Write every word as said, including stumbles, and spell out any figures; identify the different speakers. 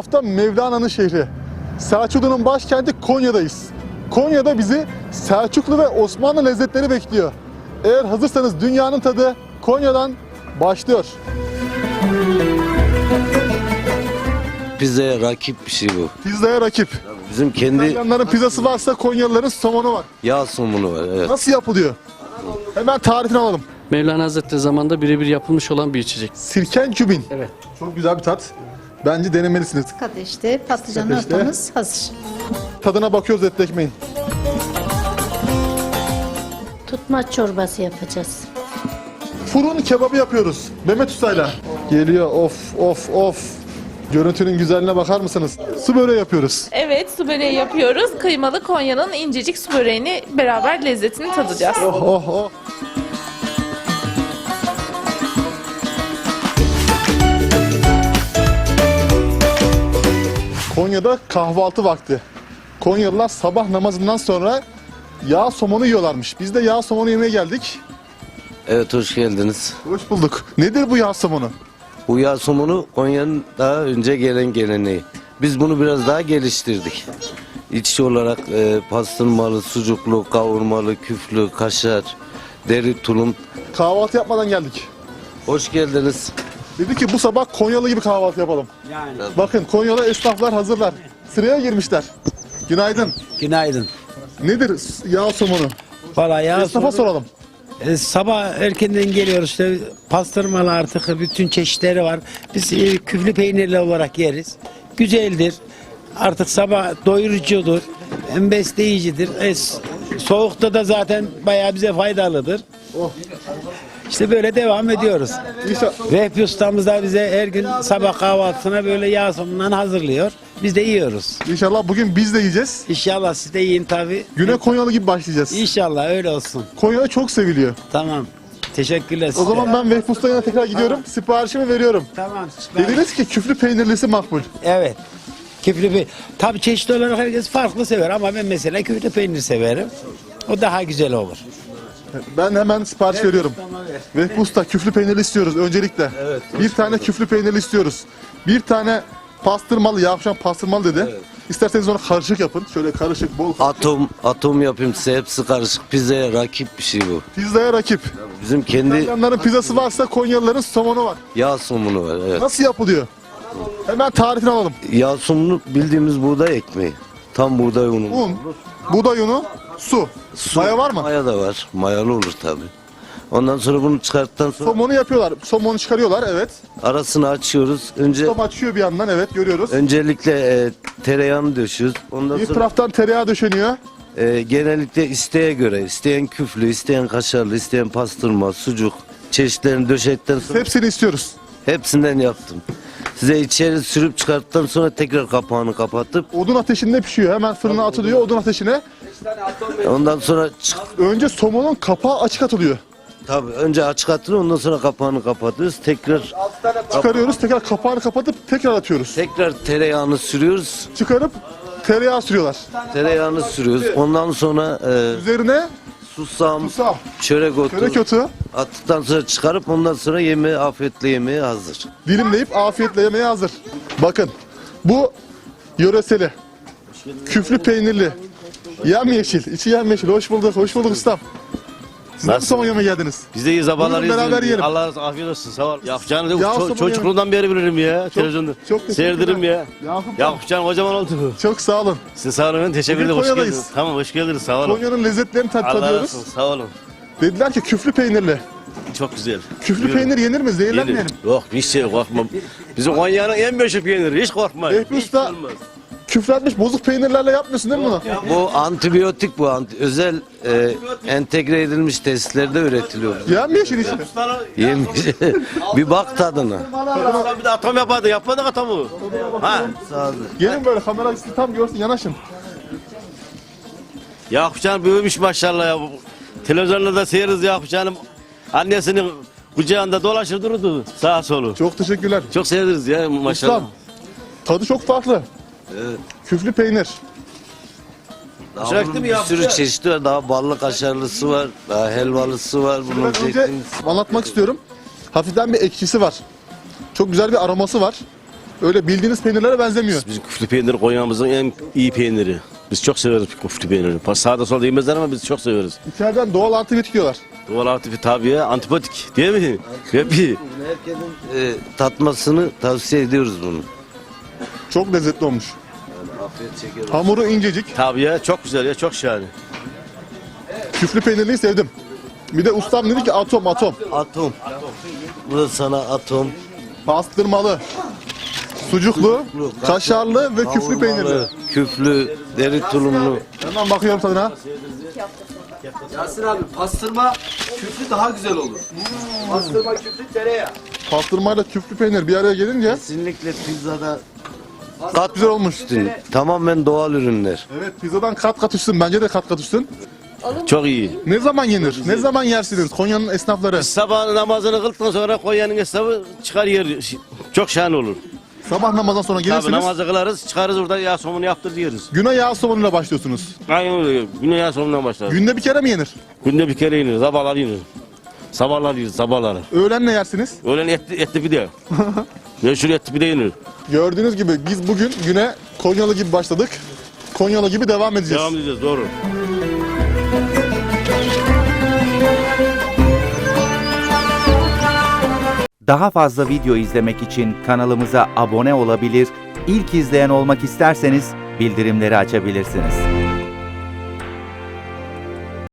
Speaker 1: tarafta Mevlana'nın şehri. Selçuklu'nun başkenti Konya'dayız. Konya'da bizi Selçuklu ve Osmanlı lezzetleri bekliyor. Eğer hazırsanız dünyanın tadı Konya'dan başlıyor.
Speaker 2: Pizzaya rakip bir şey bu.
Speaker 1: Pizzaya rakip.
Speaker 2: Bizim kendi
Speaker 1: İtalyanların pizzası varsa Konyalıların somonu var.
Speaker 2: yağ somunu var. Evet.
Speaker 1: Nasıl yapılıyor? Hemen tarifini alalım.
Speaker 3: Mevlana Hazretleri zamanında birebir yapılmış olan bir içecek.
Speaker 1: Sirken kübin.
Speaker 3: Evet.
Speaker 1: Çok güzel bir tat. Bence denemelisiniz.
Speaker 4: Kadeşte patlıcan
Speaker 1: Kadeşte.
Speaker 4: salatamız hazır.
Speaker 1: Tadına bakıyoruz etli ekmeğin.
Speaker 5: Tutmaç çorbası yapacağız.
Speaker 1: Fırın kebabı yapıyoruz. Mehmet Usta'yla. Geliyor of of of. Görüntünün güzelliğine bakar mısınız? Su böreği yapıyoruz.
Speaker 6: Evet, su böreği yapıyoruz. Kıymalı Konya'nın incecik su böreğini beraber lezzetini tadacağız.
Speaker 1: Oh oh oh. Konya'da kahvaltı vakti. Konyalılar sabah namazından sonra yağ somonu yiyorlarmış. Biz de yağ somonu yemeye geldik.
Speaker 2: Evet, hoş geldiniz.
Speaker 1: Hoş bulduk. Nedir bu yağ somonu?
Speaker 2: Bu yağ somunu Konya'nın daha önce gelen geleneği. Biz bunu biraz daha geliştirdik. İçki olarak e, pastırmalı, sucuklu, kavurmalı, küflü, kaşar, deri tulum.
Speaker 1: Kahvaltı yapmadan geldik.
Speaker 2: Hoş geldiniz.
Speaker 1: Dedi ki bu sabah Konyalı gibi kahvaltı yapalım. Bakın Konyalı esnaflar hazırlar. Sıraya girmişler. Günaydın.
Speaker 7: Günaydın.
Speaker 1: Nedir yağ somonu?
Speaker 7: Valla ya
Speaker 1: Esnafa soralım.
Speaker 7: e, sabah erkenden geliyoruz işte pastırmalı artık bütün çeşitleri var. Biz e, küflü peynirli olarak yeriz. Güzeldir. Artık sabah doyurucudur. Hem besleyicidir. E, s- soğukta da zaten bayağı bize faydalıdır.
Speaker 1: Oh.
Speaker 7: İşte böyle devam ediyoruz.
Speaker 1: İnşallah.
Speaker 7: Vehbi ustamız da bize her gün sabah kahvaltısına böyle yağ somundan hazırlıyor. Biz de yiyoruz.
Speaker 1: İnşallah bugün biz de yiyeceğiz.
Speaker 7: İnşallah siz de yiyin tabii.
Speaker 1: Güne Konyalı gibi başlayacağız.
Speaker 7: İnşallah öyle olsun.
Speaker 1: Konya'da çok seviliyor.
Speaker 7: Tamam. Teşekkürler
Speaker 1: O
Speaker 7: size.
Speaker 1: zaman ben Vehbi Usta'ya yanına tekrar gidiyorum. Siparişimi veriyorum.
Speaker 7: Tamam. süper.
Speaker 1: Dediniz ki küflü peynirlisi makbul.
Speaker 7: Evet. Küflü peynir. Tabii çeşitli olarak herkes farklı sever ama ben mesela küflü peynir severim. O daha güzel olur.
Speaker 1: Ben hemen sipariş veriyorum. Vehbi Usta küflü peynirli istiyoruz öncelikle. Bir tane küflü peynirli istiyoruz. Bir tane pastırmalı, yavşan pastırmalı dedi. İsterseniz onu karışık yapın. Şöyle karışık, bol.
Speaker 2: Atom, atom yapayım size, hepsi karışık. Pizzaya rakip bir şey bu.
Speaker 1: Pizzaya rakip.
Speaker 2: Bizim kendi
Speaker 1: İtalyanların pizzası varsa Konyalıların somonu var.
Speaker 2: yağ somunu var. Evet.
Speaker 1: Nasıl yapılıyor? Hemen tarifini alalım.
Speaker 2: Yağ somunu bildiğimiz buğday ekmeği. Tam buğday unu.
Speaker 1: Un, buğday unu, su.
Speaker 2: Su,
Speaker 1: Maya var mı?
Speaker 2: Maya da var. Mayalı olur tabii. Ondan sonra bunu çıkarttıktan sonra
Speaker 1: Somonu yapıyorlar. Somonu çıkarıyorlar, evet.
Speaker 2: arasını açıyoruz. Önce
Speaker 1: Tam açıyor bir yandan, evet, görüyoruz.
Speaker 2: öncelikle e, tereyağını döşüyoruz. Ondan
Speaker 1: Bir
Speaker 2: sonra
Speaker 1: taraftan tereyağı döşeniyor.
Speaker 2: e, genellikle isteğe göre, isteyen küflü, isteyen kaşarlı, isteyen pastırma, sucuk çeşitlerini döşedikten sonra
Speaker 1: Hepsini istiyoruz.
Speaker 2: hepsinden yaptım. Size içeri sürüp çıkarttıktan sonra tekrar kapağını kapatıp
Speaker 1: Odun ateşinde pişiyor. Hemen fırına atılıyor odun ateşine.
Speaker 2: ondan sonra çık
Speaker 1: Önce somonun kapağı açık atılıyor.
Speaker 2: tabii önce açık atılıyor, ondan sonra kapağını kapatıyoruz. Tekrar
Speaker 1: Çıkarıyoruz, tekrar kapağını kapatıp tekrar atıyoruz.
Speaker 2: tekrar tereyağını sürüyoruz.
Speaker 1: Çıkarıp tereyağı sürüyorlar.
Speaker 2: Tereyağını sürüyoruz. Ondan sonra e,
Speaker 1: Üzerine
Speaker 2: susam,
Speaker 1: susam,
Speaker 2: çörek otu
Speaker 1: çörek otu
Speaker 2: attıktan sonra çıkarıp ondan sonra yemeğe, afiyetle yemeğe hazır.
Speaker 1: dilimleyip afiyetle yemeye hazır. Bakın, bu yöreseli, küflü peynirli, yemyeşil, içi yemyeşil. Hoş bulduk, hoş bulduk ustam. Siz nasıl somon yemeye geldiniz?
Speaker 8: Biz de iyi sabahlar
Speaker 1: Buyurun, beraber yiyelim.
Speaker 8: Allah razı afiyet olsun. Sağ ol. Yakupcan'ı da
Speaker 1: Yağ
Speaker 8: ço-
Speaker 1: somonu
Speaker 8: çocukluğundan beri bilirim ya. Televizyonda.
Speaker 1: çok teşekkürler.
Speaker 8: Seyrederim ya.
Speaker 1: Yakup,
Speaker 8: Yakupcan kocaman oldu.
Speaker 1: çok sağ olun.
Speaker 8: Size sağ olun. Teşekkür
Speaker 1: Bugün
Speaker 8: ederim. Hoş
Speaker 1: Konya'dayız.
Speaker 8: geldiniz. Tamam hoş geldiniz. Sağ olun.
Speaker 1: Konya'nın lezzetlerini tat
Speaker 8: Allah razı
Speaker 1: tadıyoruz.
Speaker 8: olsun. Sağ olun.
Speaker 1: Dediler ki küflü peynirli.
Speaker 8: Çok güzel.
Speaker 1: Küflü
Speaker 8: Buyurun.
Speaker 1: peynir yenir mi? Zehirlenmeyelim.
Speaker 8: Yedim. Yok hiç şey korkmam. Bizim Konya'nın en meşhur peyniri. Hiç korkma.
Speaker 1: Vehbi
Speaker 8: Hiç
Speaker 1: Usta-
Speaker 8: olmaz.
Speaker 1: Küflenmiş bozuk peynirlerle yapmıyorsun değil mi bunu?
Speaker 2: Bu antibiyotik, bu anti- özel e, entegre edilmiş tesislerde üretiliyor.
Speaker 1: Yemyeşil işte.
Speaker 2: Yemiş. Bir bak tadına.
Speaker 8: Ulan bir de atom yapardı. Yapmadık atomu. Ha.
Speaker 1: Gelin böyle kamera sizi tam görsün, yanaşın.
Speaker 8: Yakupcan büyümüş maşallah ya. Televizyonda da seyiriz Yakupcan'ım. Annesinin kucağında dolaşır dururdu sağa solu.
Speaker 1: Çok teşekkürler.
Speaker 8: Çok sevdiriz ya maşallah.
Speaker 1: Ustam, tadı çok farklı. Küflü peynir.
Speaker 2: Daha
Speaker 8: Sürekli
Speaker 2: bunun
Speaker 8: mi
Speaker 2: bir
Speaker 8: yaptı?
Speaker 2: sürü çeşidi var. Daha ballı kaşarlısı var. Daha helvalısı var. Bunun
Speaker 1: Ben önce
Speaker 2: zeytin.
Speaker 1: anlatmak istiyorum. Hafiften bir ekşisi var. Çok güzel bir aroması var. Öyle bildiğiniz peynirlere benzemiyor.
Speaker 8: Bizim küflü peynir Konya'mızın en iyi peyniri. Biz çok severiz küflü peynirini. Sağda solda yemezler ama biz çok severiz.
Speaker 1: İçeriden doğal antibiyotik diyorlar.
Speaker 8: Doğal aktifi tabii ya, antipatik değil mi? Hep iyi.
Speaker 2: Herkesin e, tatmasını tavsiye ediyoruz bunu.
Speaker 1: Çok lezzetli olmuş.
Speaker 2: Afiyet şeker.
Speaker 1: Hamuru incecik.
Speaker 8: Tabii ya, çok güzel ya, çok şahane.
Speaker 1: Küflü peynirliyi sevdim. Bir de ustam dedi ki atom atom.
Speaker 2: Atom. Bu da sana atom.
Speaker 1: Pastırmalı, sucuklu, kaşarlı ve küflü peynirli.
Speaker 2: Kavurmalı, küflü, deri tulumlu.
Speaker 1: Hemen bakıyorum tadına.
Speaker 4: Yasin abi pastırma küflü daha güzel olur. Pastırma küflü tereyağı.
Speaker 1: Pastırmayla küflü peynir bir araya gelince
Speaker 2: Kesinlikle pizzada
Speaker 1: kat güzel olmuş.
Speaker 2: tamamen doğal ürünler.
Speaker 1: Evet, pizzadan kat kat üstün. Bence de kat kat üstün.
Speaker 8: Çok iyi.
Speaker 1: Ne zaman yenir? Ne zaman yersiniz Konya'nın esnafları?
Speaker 8: Sabah namazını kıldıktan sonra Konya'nın hesabı çıkar yer. Çok şahane olur.
Speaker 1: Sabah namazdan sonra
Speaker 8: Tabii
Speaker 1: gelirsiniz.
Speaker 8: namazı kılarız, çıkarız orada yağ somunu yaptır yeriz.
Speaker 1: Güne yağ somonuyla başlıyorsunuz.
Speaker 8: Aynen öyle. Güne yağ somundan başlar.
Speaker 1: Günde bir kere mi yenir?
Speaker 8: Günde bir kere yenir, sabahlar yenir. Sabahlar yenir, sabahları.
Speaker 1: Öğlen ne yersiniz?
Speaker 8: Öğlen etli, etli pide. Meşhur etli pide yenir.
Speaker 1: Gördüğünüz gibi biz bugün güne Konyalı gibi başladık. Konyalı gibi devam edeceğiz.
Speaker 8: Devam edeceğiz, doğru.
Speaker 9: Daha fazla video izlemek için kanalımıza abone olabilir, ilk izleyen olmak isterseniz bildirimleri açabilirsiniz.